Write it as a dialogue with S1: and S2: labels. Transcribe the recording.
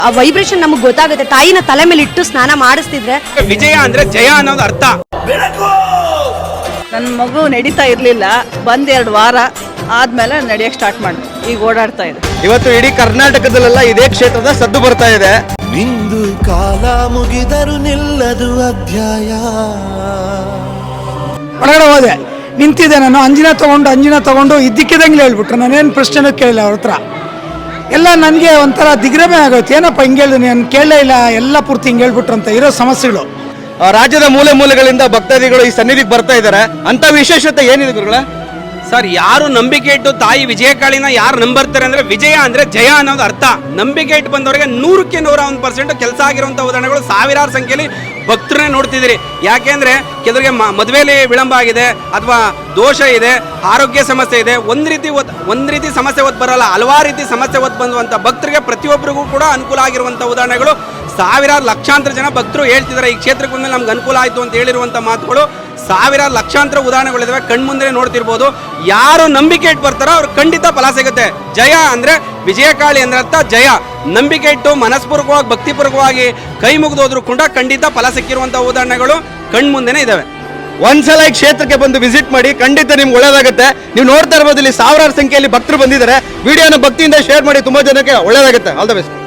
S1: ಆ ವೈಬ್ರೇಷನ್ ನಮಗೆ ಗೊತ್ತಾಗುತ್ತೆ. ತಾಯಿನ ತಲೆ ಮೇಲೆ ಇಟ್ಟು ಸ್ನಾನ ಮಾಡಿಸ್ತಿದ್ರೆ
S2: ವಿಜಯ ಅಂದ್ರೆ ಜಯ ಅನ್ನೋದು ಅರ್ಥ.
S3: ನನ್ನ ಮಗು ನಡೀತಾ ಇರಲಿಲ್ಲ, ಬಂದ್ 2 ವಾರ ಆದ್ಮೇಲೆ ನಡೆಯಕ್ಕೆ ಸ್ಟಾರ್ಟ್ ಮಾಡಿ ಈಗ ಓಡಾಡ್ತಾ ಇದೆ.
S4: ಇವತ್ತು ಇಡೀ ಕರ್ನಾಟಕದಲ್ಲೆಲ್ಲ ಇದೇ ಕ್ಷೇತ್ರದ ಸದ್ದು ಬರ್ತಾ ಇದೆ.
S5: ನಿಂದು ಕಾಲ ಮುಗಿದರು ನಿಲ್ಲದು ಅಧ್ಯಾಯ.
S6: ಒಳಗಡೆ ಹೋದೆ, ನಿಂತಿದ್ದೆ ನಾನು. ಅಂಜಿನ ತಗೊಂಡು ಇದ್ದಕ್ಕಿದಂಗೆ ಹೇಳ್ಬಿಟ್ರು. ನಾನೇನು ಪ್ರಶ್ನೆನೂ ಕೇಳಿಲ್ಲ ಅವ್ರ ಹತ್ರ. ಎಲ್ಲ ನನಗೆ ಒಂಥರ ದಿಗ್ಭ್ರಮೆ ಆಗೋಯ್ತು. ಏನಪ್ಪ ಹಿಂಗೆ ಹೇಳಿದ್ರು, ನಾನು ಕೇಳಲೇ ಇಲ್ಲ, ಎಲ್ಲ ಪೂರ್ತಿ ಹಿಂಗೆ ಹೇಳ್ಬಿಟ್ರು ಅಂತ. ಇರೋ ಸಮಸ್ಯೆಗಳು
S4: ರಾಜ್ಯದ ಮೂಲೆ ಮೂಲೆಗಳಿಂದ ಭಕ್ತಾದಿಗಳು ಈ ಸನ್ನಿಧಿಗೆ ಬರ್ತಾ ಇದ್ದಾರೆ. ಅಂತ ವಿಶೇಷತೆ ಏನಿದೆ ಗುರುಗಳ?
S2: ಸರ್, ಯಾರು ನಂಬಿಕೆ ಇಟ್ಟು ತಾಯಿ ವಿಜಯಕಾಳಿನ ಯಾರು ನಂಬರ್ತಾರೆ ಅಂದ್ರೆ ವಿಜಯ ಅಂದ್ರೆ ಜಯ ಅನ್ನೋದು ಅರ್ಥ. ನಂಬಿಕೆ ಇಟ್ಟು ಬಂದವರಿಗೆ 100ಕ್ಕೆ 101% ಕೆಲಸ ಆಗಿರುವಂತ ಉದಾಹರಣೆಗಳು ಸಾವಿರಾರು ಸಂಖ್ಯೆಯಲ್ಲಿ ಭಕ್ತರನ್ನೇ ನೋಡ್ತಿದ್ದೀರಿ. ಯಾಕೆಂದ್ರೆ ಕೆಲವರಿಗೆ ಮದುವೆಯಲ್ಲಿ ವಿಳಂಬ ಆಗಿದೆ, ಅಥವಾ ದೋಷ ಇದೆ, ಆರೋಗ್ಯ ಸಮಸ್ಯೆ ಇದೆ, ಒಂದ್ ರೀತಿ ಸಮಸ್ಯೆ ಒತ್ತು ಬರಲ್ಲ, ಹಲವಾರು ರೀತಿ ಸಮಸ್ಯೆ ಒತ್ತು ಬಂದುವಂತ ಭಕ್ತರಿಗೆ ಪ್ರತಿಯೊಬ್ಬರಿಗೂ ಕೂಡ ಅನುಕೂಲ ಆಗಿರುವಂತ ಉದಾಹರಣೆಗಳು ಸಾವಿರಾರು ಲಕ್ಷಾಂತರ ಜನ ಭಕ್ತರು ಹೇಳ್ತಿದ್ದಾರೆ. ಈ ಕ್ಷೇತ್ರಕ್ಕೆ ಬಂದ್ಮೇಲೆ ನಮ್ಗೆ ಅನುಕೂಲ ಆಯಿತು ಅಂತ ಹೇಳಿರುವಂಥ ಮಾತುಗಳು ಸಾವಿರಾರು ಲಕ್ಷಾಂತರ ಉದಾಹರಣೆಗಳಿದಾವೆ, ಕಣ್ಮುಂದೆ ನೋಡ್ತಿರ್ಬೋದು. ಯಾರು ನಂಬಿಕೆ ಇಟ್ಟು ಬರ್ತಾರೋ ಅವ್ರು ಖಂಡಿತ ಫಲ ಸಿಗುತ್ತೆ. ಜಯ ಅಂದ್ರೆ ವಿಜಯಕಾಳಿ ಅಂದ್ರೆ ಅರ್ಥ ಜಯ. ನಂಬಿಕೆ ಇಟ್ಟು ಮನಸ್ಪೂರ್ವಕವಾಗಿ ಭಕ್ತಿಪೂರ್ವಕವಾಗಿ ಕೈ ಮುಗಿದೋದ್ರು ಕೂಡ ಖಂಡಿತ ಫಲ ಸಿಕ್ಕಿರುವಂಥ ಉದಾಹರಣೆಗಳು ಕಣ್ಮುಂದೆನೇ ಇದಾವೆ.
S4: ಒಂದ್ಸಲ ಈ ಕ್ಷೇತ್ರಕ್ಕೆ ಬಂದು ವಿಸಿಟ್ ಮಾಡಿ, ಖಂಡಿತ ನಿಮ್ಗೆ ಒಳ್ಳೇದಾಗುತ್ತೆ. ನೀವು ನೋಡ್ತಾ ಇರ್ಬೋದು, ಇಲ್ಲಿ ಸಾವಿರಾರು ಸಂಖ್ಯೆಯಲ್ಲಿ ಭಕ್ತರು ಬಂದಿದ್ದಾರೆ. ವಿಡಿಯೋನ ಭಕ್ತಿಯಿಂದ ಶೇರ್ ಮಾಡಿ, ತುಂಬಾ ಜನಕ್ಕೆ ಒಳ್ಳೇದಾಗುತ್ತೆ. All the best.